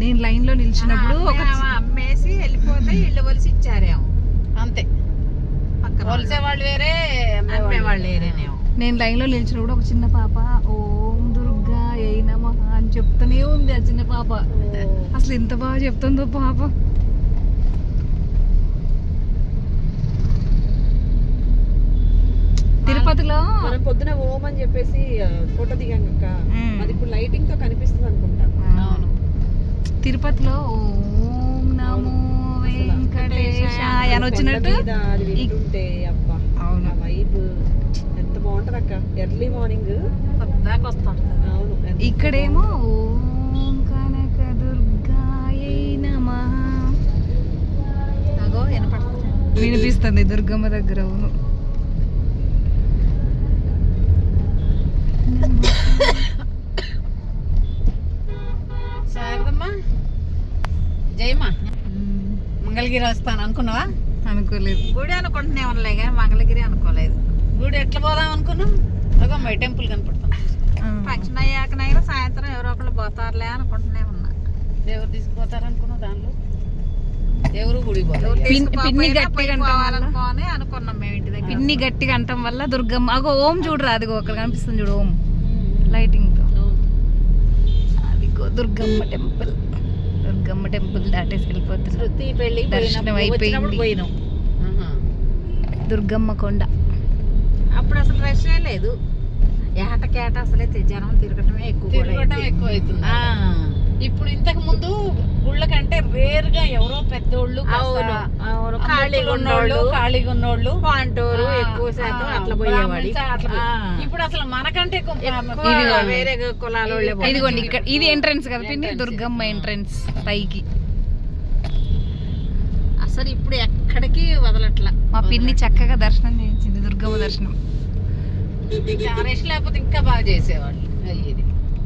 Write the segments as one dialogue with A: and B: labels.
A: నేను లైన్ లో నిలిచినప్పుడు
B: అమ్మేసి వెళ్ళిపోతే ఇళ్ళు వలిసి ఇచ్చారేమో
C: అంతే. వలసే వాళ్ళు వేరే,
B: వాళ్ళు వేరేనేమో.
A: నేను లైన్ లో నిలిచినప్పుడు ఒక చిన్న పాప ఓం దుర్గా ఏ నమః అని చెప్తూనే ఉంది. ఆ చిన్న పాప అసలు ఎంత బాగా చెప్తుందో పాప. తిరుపతిలో
D: మనం పొద్దున ఓం అని చెప్పేసి ఫోటో దిగాం అక్క, అది ఇప్పుడు లైటింగ్ తో కనిపిస్తుంది అనుకుంటా.
C: అవును.
A: తిరుపతిలో ఓం నమో వెంకటేశాయ అని వచ్చినట్టు
D: అది వింటుంటే అబ్బా
A: అవును
D: వైబ్ ఎంత బాగుంటది అక్క. ఎర్లీ మార్నింగ్
B: దాకా వస్తాం.
D: అవును.
A: ఇక్కడేమో ఓం కనక దుర్గాయై నమః
B: అగో వినపడుతుంది.
A: వినిపిస్తుంది దుర్గమ్మ దగ్గర. అవును.
C: శారదమ్మా జయమ్మా మంగళగిరి వస్తాను అనుకున్నావా?
A: అనుకోలేదు.
B: గుడి అనుకుంటున్నా ఉండలే కానీ మంగళగిరి అనుకోలేదు.
C: గుడి ఎట్లా పోదాం అనుకున్నాం? అగో మై టెంపుల్ కనపడతాం.
B: ఫంక్షన్ అయ్యాకనైనా సాయంత్రం ఎవరో ఒకళ్ళు పోతారులే అనుకుంటూనే ఉన్నా.
C: ఎవరు తీసుకుపోతారు అనుకున్నావు? దానిలో ఎవరు గుడి
A: పిన్ని గట్టిగా
B: పోవాలనుకోని అనుకున్నాం మేము ఇంటి దగ్గర.
A: పిన్ని గట్టిగా అంటాం వల్ల దుర్గమ్మ అగో ఓం చూడరా, అదిగో అక్కడ కనిపిస్తుంది చూడు ఓం లైటింగ్ తో. అదిగో దుర్గమ్మ టెంపుల్. దుర్గమ్మ టెంపుల్ దాటేసి వెళ్ళిపోతుంది.
B: శృతి పెళ్లి
A: దర్శనం అయిపోయింది.
B: పోయినాం
A: దుర్గమ్మ కొండ.
B: అప్పుడు అసలు రష్ లేదు. ఏటకేట అసలే జనం తిరగటమే ఎక్కువ
C: అవుతుంది. ఇప్పుడు ఇంతకు ముందు గుళ్ళ కంటే రేర్ గా ఎవరో పెద్దోళ్ళు ఖాళీగా ఉన్నోళ్ళు
B: పాంటూరు ఎక్కువ శాతం అట్లా పోయేవాడు.
C: ఇప్పుడు అసలు మనకంటే
B: వేరే కులాల
A: ఇదిగోండి ఇక్కడ ఇది ఎంట్రన్స్ కదా పిన్ని, దుర్గమ్మ ఎంట్రన్స్ పైకి.
B: అసలు ఇప్పుడు ఎక్కడికి వదలట్లా.
A: మా పిన్ని చక్కగా దర్శనం చేయించింది, దుర్గమ్మ దర్శనం.
C: రెస్ట్ లేకపోతే ఇంకా బాగా చేసేవాళ్ళు. అయ్యేది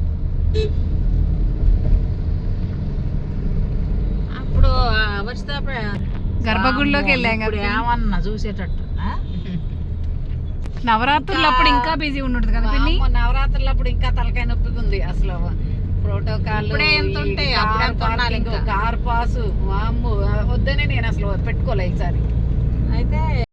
B: అప్పుడు వచ్చితే
A: గర్భగుడిలోకి వెళ్ళాం కదా
B: ఏమన్నా చూసేటట్టు.
A: నవరాత్రులు అప్పుడు ఇంకా బిజీ ఉండదు కదా పిన్ని.
C: నవరాత్రులు అప్పుడు ఇంకా తలకాయ నొప్పిగా ఉంది అసలు. ప్రోటోకాల్ కార్ పాసు వామ్ము వద్దనే నేను అసలు పెట్టుకోలే ఈసారి.
B: అయితే